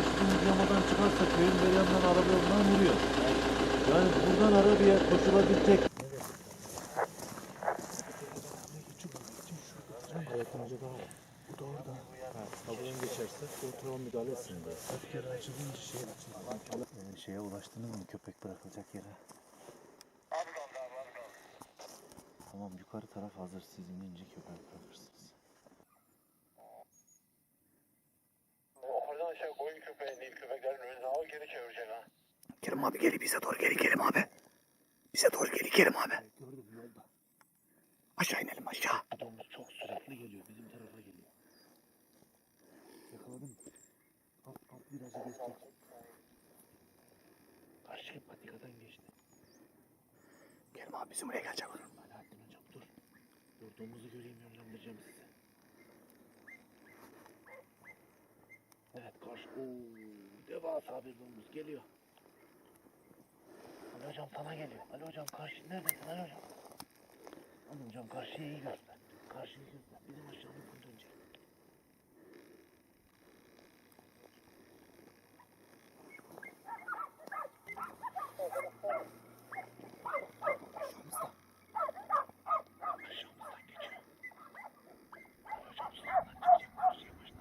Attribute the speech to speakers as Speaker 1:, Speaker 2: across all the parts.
Speaker 1: Bizim uygulamadan çıkarsa köyün bir yanından araba yolundan vuruyor. Yani buradan arabaya koşulabilecek.
Speaker 2: Yakınca daha var. Bu da orada.
Speaker 1: Buradan geçerse kontrol müdahale etsin diye.
Speaker 2: Öfkeli açılınca şey açıldı.
Speaker 1: Şeye ulaştınız mı köpek bırakılacak yere? Tamam, yukarı taraf hazır. Siz inince köpek bırakırsınız.
Speaker 3: Oradan aşağı koyun köpeği, Nil köpeklerin önüne al, geri çevirecek ha.
Speaker 2: Kerim abi gel, bize doğru gel Kerim abi. Bize doğru gel Kerim abi.
Speaker 1: Gördüm yolda.
Speaker 2: Aşağı inelim aşağı.
Speaker 1: Bu domuz çok süratli geliyor. Bizim tarafa geliyor. Yakaladım. Alt virajı geçecek. Karşı patikadan geçti.
Speaker 2: Kerim abi bizim buraya gelecek.
Speaker 1: Alaaddin hocam dur. Dur, domuzu göreyim, yönlendireceğim size. Evet, karşı. Devasa bir domuz geliyor. Ali hocam sana geliyor. Ali hocam karşı neredesin Ali hocam? Ali hocam karşıya iyi göster. Karşıyı göster. Bizim aşağımızdan dönecek. Aşağımızdan geçiyor. Ali hocam sağından çıkacak. Karşıya başlar.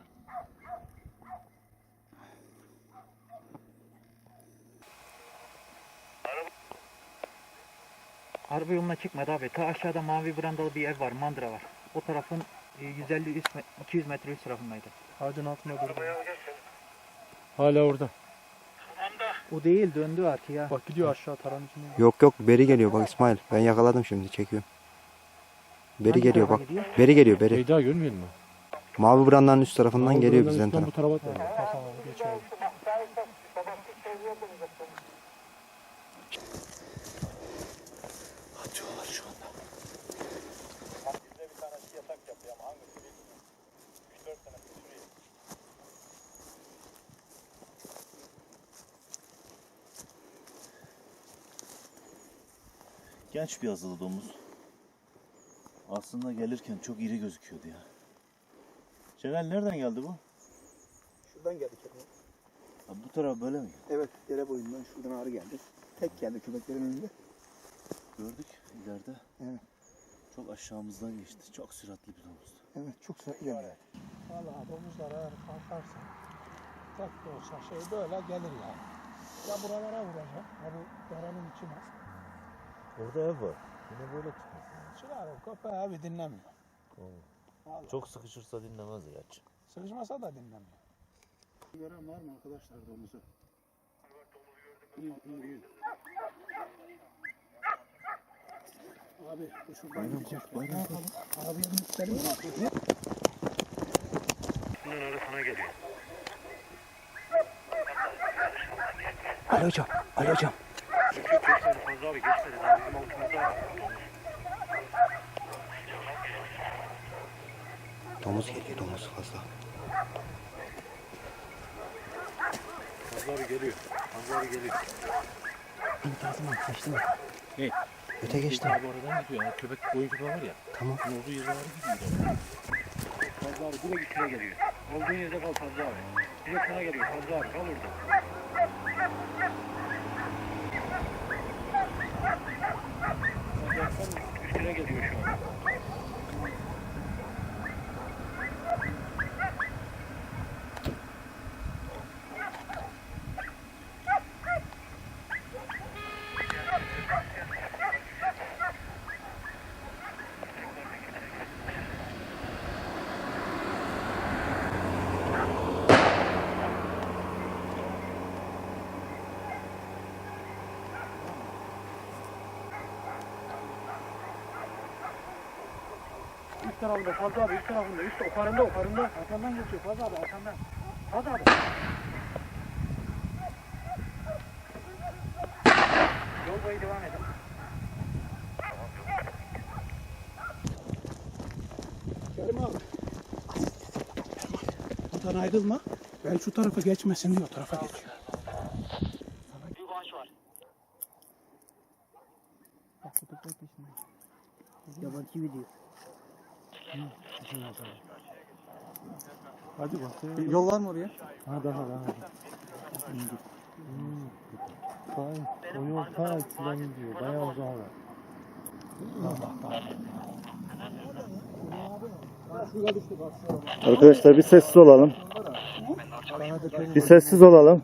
Speaker 4: Araba yoluna çıkmadı abi. Ta aşağıda mavi brandalı bir ev var, mandıra var. O tarafın 200 metre üst tarafındaydı.
Speaker 2: Ağacın altına durdu. Hala orada.
Speaker 4: O değil, döndü artık ya.
Speaker 2: Bak gidiyor aşağı taranın içine.
Speaker 5: Yok yok, beri geliyor bak İsmail. Ben yakaladım, şimdi çekiyorum. Beri
Speaker 4: Hangi
Speaker 5: geliyor
Speaker 4: tarafa
Speaker 5: bak.
Speaker 4: gidiyor?
Speaker 5: Beri geliyor beri.
Speaker 2: Şeyda görmeyelim mi?
Speaker 5: Mavi brandanın üst tarafından geliyor bizden taraf.
Speaker 2: Bu tarafa da. Tamam geç abi. Atıyorlar şu anda.
Speaker 3: Bizde bir tanesi yatak yapıyor ama hangisi bilmiyorum. 3-4 tane sürüyor.
Speaker 1: Genç bir azılı domuz. Aslında gelirken çok iri gözüküyordu ya. Celal nereden geldi bu?
Speaker 6: Şuradan geldi Kerim.
Speaker 1: Ha, bu taraf böyle mi?
Speaker 6: Evet, dere boyundan şuradan ağrı geldi. Tek geldi köpeklerin önünde.
Speaker 1: Gördük ileride.
Speaker 6: Evet.
Speaker 1: Çok aşağımızdan geçti. Çok süratli bir domuzdu.
Speaker 6: Evet, çok süratli geldi.
Speaker 7: Valla domuzlar eğer kalkarsa tek de olsa şey böyle gelir yani. Ya buralara vuracak, ya bu derenin içine.
Speaker 1: Orada ev var. Yine böyle çıkmasın.
Speaker 7: Çıkar o köpeği abi dinlemiyor. Vallahi.
Speaker 1: Çok sıkışırsa dinlemez gerçi.
Speaker 7: Sıkışmasa da dinlemiyor.
Speaker 6: Gören var mı arkadaşlar domuzu? İyi, iyi, iyi. Abi bu şuradan gidecek. Ne yapalım? Arabaya binip mi?
Speaker 3: Bunun arasına geliyor.
Speaker 5: Ali hocam, Ali hocam.
Speaker 3: Geçmedi Fazla abi, geçmedi. Daha bizim altımızda var.
Speaker 5: Domuz geliyor, domuz fazla.
Speaker 1: Fazla abi geliyor. Fazla abi geliyor.
Speaker 5: Bir tarafından kaçtı mı?
Speaker 1: Ne?
Speaker 5: Öte geçti.
Speaker 1: Abi oradan gidiyor. Yani köpek, koyun köpeği var ya.
Speaker 5: Tamam.
Speaker 1: Olduğu yere doğru gidiyor. Fazla abi direkt içine geliyor. Olduğun yerde kal Fazla abi. Direkt sana geliyor Fazla abi. Kal orada. Üstüne geliyor şu an.
Speaker 7: Üst tarafında Fazla abi, üst tarafında, üst oparında. Arkandan geçiyor Fazla abi, arkandan. Fazla abi. Yol boyu devam edin.
Speaker 6: Kerim abi. Buradan ayrılma. Ben şu tarafa geçmesin diye o tarafa geçiyor.
Speaker 3: Büyük ağaç var.
Speaker 4: Bak bu köpek peşinde.
Speaker 6: Yabancı video.
Speaker 2: Hadi bak.
Speaker 6: Yol var mı oraya?
Speaker 4: Ha daha.
Speaker 6: O yol ta eskiden gidiyor. Bayağı uzağa var.
Speaker 3: Arkadaşlar bir sessiz olalım. Bir sessiz olalım.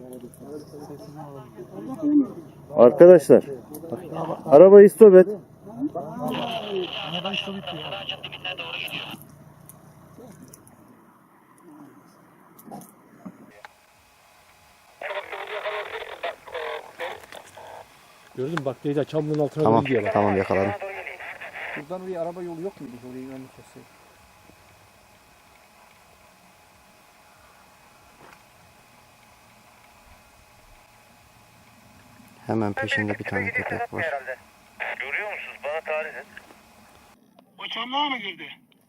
Speaker 3: Arkadaşlar arabayı stop et.
Speaker 6: Gördün mü? Bak teyze çamlığın altına
Speaker 5: Tamam,
Speaker 6: doğru gidiyor bak.
Speaker 5: tamam yakaladım.
Speaker 6: Buradan oraya araba yolu yok muydu? Orayı önünü kesseydik.
Speaker 5: Hemen peşinde bir tane köpek var.
Speaker 3: Görüyor musunuz? Bana tarif et.
Speaker 7: O çamlığa mı girdi?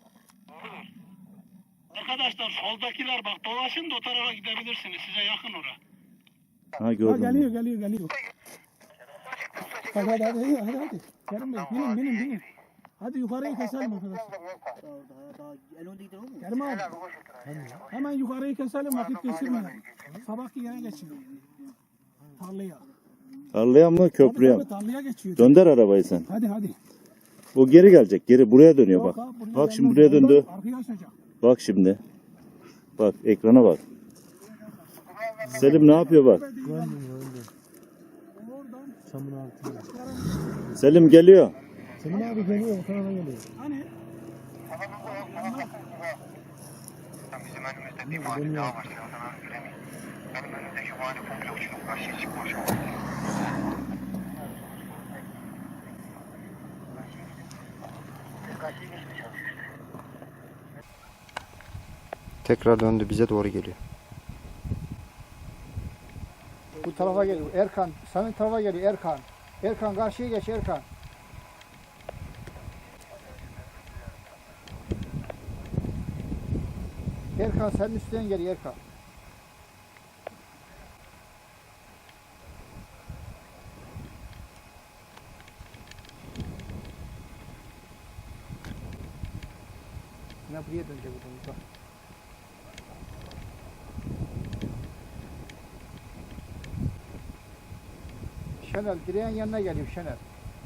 Speaker 7: Arkadaşlar soldakiler bak dolaşın da o tarafa gidebilirsiniz. Size yakın ora.
Speaker 3: Ha gördüm.
Speaker 7: Geliyor. Hadi. Kerim Bey binin. Hadi yukarıyı keselim arkadaşlar. Kerim abi. Hemen yukarıyı keselim vakit geçirmeyelim. Sabahki yere geçelim. Tarlaya.
Speaker 3: Tarlaya mı köprüye mi?
Speaker 7: Tabii, tarlaya geçiyor.
Speaker 3: Dönder arabayı sen.
Speaker 7: Hadi.
Speaker 3: O geri gelecek. Geri buraya dönüyor bak.
Speaker 7: Yok abi, buraya
Speaker 3: Bak şimdi
Speaker 7: gelmez.
Speaker 3: buraya döndü.
Speaker 7: Arkaya açacak.
Speaker 3: Bak şimdi. Bak ekrana bak. Selim ne yapıyor bak.
Speaker 6: Çamın altına.
Speaker 3: Selim geliyor.
Speaker 6: Senin abi geliyor. O tarafa geliyor.
Speaker 7: Hani?
Speaker 8: Bizim önümüzde bir vadi daha var. Sen oradan göremeyiz. Benim önümdeki vadi komple uçurup karşıya çıkmış o.
Speaker 5: Tekrar döndü bize doğru geliyor.
Speaker 9: Bu tarafa geliyor. Erkan, senin tarafa geliyor Erkan. Erkan karşıya geç Erkan. Erkan senin üstten geliyor Erkan. Ne buraya dönecek bu da. Şenel, direğin yanına geliyor Şenel.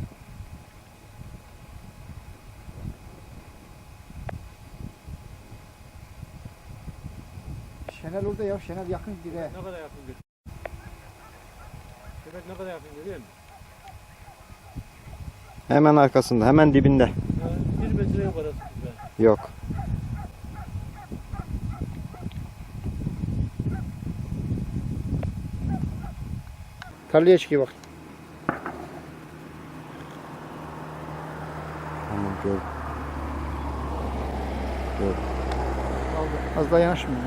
Speaker 9: Şenel orada ya, Şenel yakın direğe.
Speaker 6: Ne kadar yakın görüyor? Köpek ne kadar yakın görüyor musun?
Speaker 5: Hemen arkasında, hemen dibinde.
Speaker 6: 1 metre yok arası.
Speaker 5: Yok.
Speaker 9: Tarlaya çıkıyor bak.
Speaker 5: Tamam gördüm.
Speaker 9: Az daha yanaşmıyor.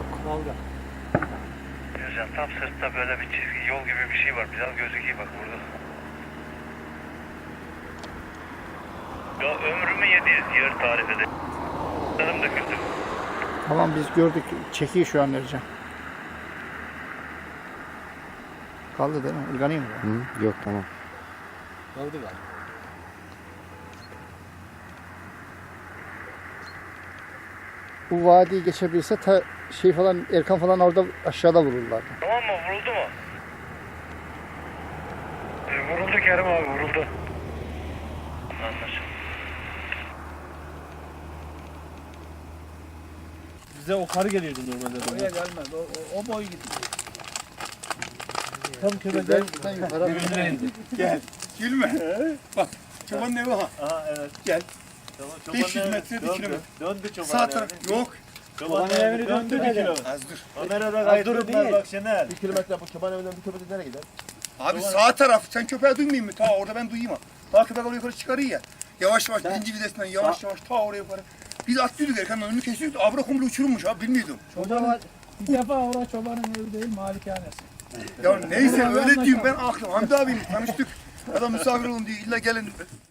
Speaker 3: Hocam tam sırtta böyle bir çizgi yol gibi bir şey var. Biraz gözüküyor bak burada. Ya ömrümü yediyiz yer tarif edin. Canım döküldü.
Speaker 9: Tamam biz gördük. Çekiyor şu an Ercan. Kaldı değil mi? Ilganayım mı?
Speaker 5: Hı, yok tamam.
Speaker 6: Kaldı galiba.
Speaker 9: Bu vadiyi geçebilirse şey falan Erkan falan orada aşağıda vururlardı.
Speaker 3: Tamam mı? Vuruldu mu? Vuruldu Kerim abi vuruldu. Anlaşıldı.
Speaker 6: Bize o karı geliyordu normalde.
Speaker 1: Oraya gelmez. O boy gidiyor.
Speaker 6: Tam köpekten
Speaker 9: yukarı
Speaker 6: indi. Gel. Gülme. Bak. Çobanın evi ha.
Speaker 1: Aha evet.
Speaker 6: Gel.
Speaker 1: Tamam,
Speaker 6: 500 metre 1 kilometre.
Speaker 1: Döndü çoban.
Speaker 6: Sağ taraf. Yok.
Speaker 1: Çoban evini döndü 1 kilometre.
Speaker 6: Az dur.
Speaker 1: Kamerada kaydettiler bak Şener.
Speaker 6: 1 kilometre bu çoban evinden 1 kilometre nereye gider? Abi sağ taraf. Sen köpeği duymayayım mı? Ta orada ben duyayım ha. Bak köpek oraya yukarı çıkarıyor ya. Yavaş yavaş birinci vitesinden yavaş ta oraya yukarı. Biz atlıyorduk Erkan'ın önünü kesiyorduk. Abra komple uçurulmuş abi bilmiyordum.
Speaker 7: Bir defa orada çobanın evi değil malikanesi.
Speaker 6: Ya neyse öyle diyeyim ben aklım. Hamdi abim tanıştık. Adam misafir olun diye illa gelin.